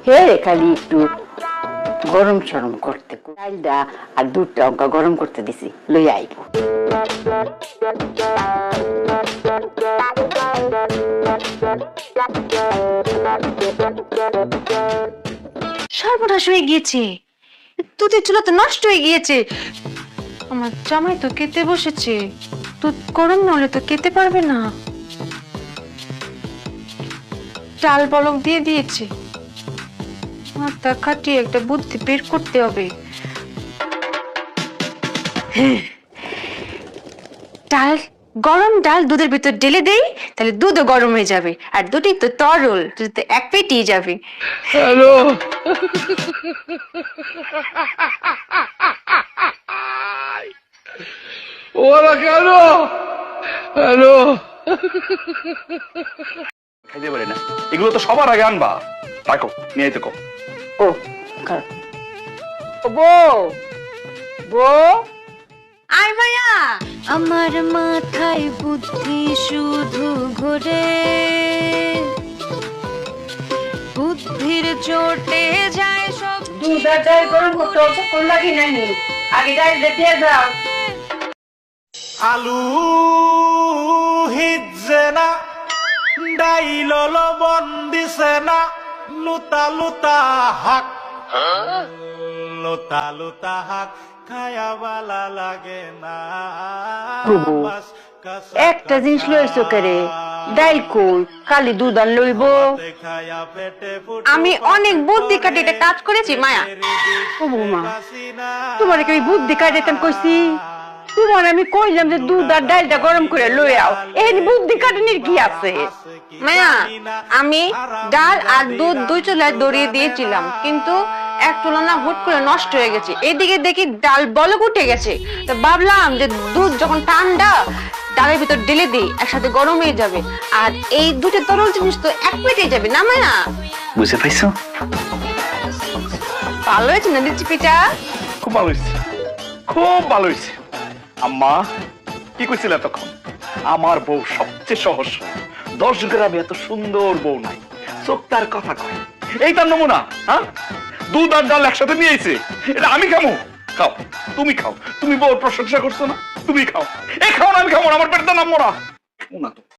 হে খালি একটু গরম সরম করতে ডালটা আর দুধটা অঙ্কা গরম করতে দিছি লই আইব। সর্বনাশ হয়ে গিয়েছে, দুধের চুলা তো নষ্ট হয়ে গিয়েছে। আমার জামাই তো খেতে বসেছে, দুধ গরম না হলে তো খেতে পারবে না। চাল বলক দিয়ে দিয়েছে, মাথা খাটিয়ে একটা বুদ্ধি বের করতে হবে। ডাল গরম ডাল দুধের ভিতর ঢেলে দেই, তাহলে দুধও গরম হয়ে যাবে, আর দুধই তো তরল, দুধ তো এক পেটেই যাবে। হ্যালো, ওরা কেন? হ্যালো, খাইতে পারি না, এগুলো তো সবার আগে আনবা। রাখো, নিয়ে আইতে কও। ও বউ, বউ আয় মায়া, আমার মাথায় বুদ্ধি শুধু ঘোরে, বুদ্ধির চোটে যায় সব। দুধ আর ডাল গরম করতে অতক্ষণ লাগে নাই, আগে ডালটা দিয়ে দাও। আলু হিজছে না, ডাইল লবণ দিছে না, লুতা লুতা হাক, লুতা লুতা হাক খায়া বালা লাগে না। প্রভু, একটা জিনিস লইছো কেরে, ডাইল কই খালি দুধ আর লইব। খায়া পেটে আমি অনেক বুদ্ধি কাটে এটা কাজ করেছি মায়া। ও বৌমা, তোমার কি আমি বুদ্ধি কাটাইতাম কইছি? তোমার আমি কইলাম যে দুধ আর ডালটা গরম করে লই আও, এখানে বুদ্ধি কাটানির কি আছে? মায়া, আমি ডাল আর দুধ দুই চুলায় দড়িয়ে দিয়েছিলাম, কিন্তু এক চুলা না হুট করে নষ্ট হয়ে গেছে। এদিকে দেখি ডাল বলক উঠে গেছে, তো ভাবলাম যে দুধ যখন ঠান্ডা ডালের ভিতর ঢেলে দিই, একসাথে গরম হয়ে যাবে, আর এই দুটো তরল জিনিস তো এক পেটে যাবে না মায়া। বুঝে পাইছো? ভালো হয়েছে না দিচ্ছি পিঠা? খুব ভালো হয়েছে, খুব ভালো হয়েছে। আম্মা কি কইছিল তখন? আমার বউ সবচেয়ে সহজ, 10 গ্রামে এত সুন্দর বউ নাই, চোখ তার কথা কয়। এই তার নমুনা। হ্যাঁ, দুধ আর ডাল একসাথে নিয়ে আইছে, এটা আমি খামো? খাও, তুমি খাও, তুমি বউর প্রশংসা করছো না, তুমি খাও। এই খাও না, আমি খাবো না, আমার পেটে নামবো না।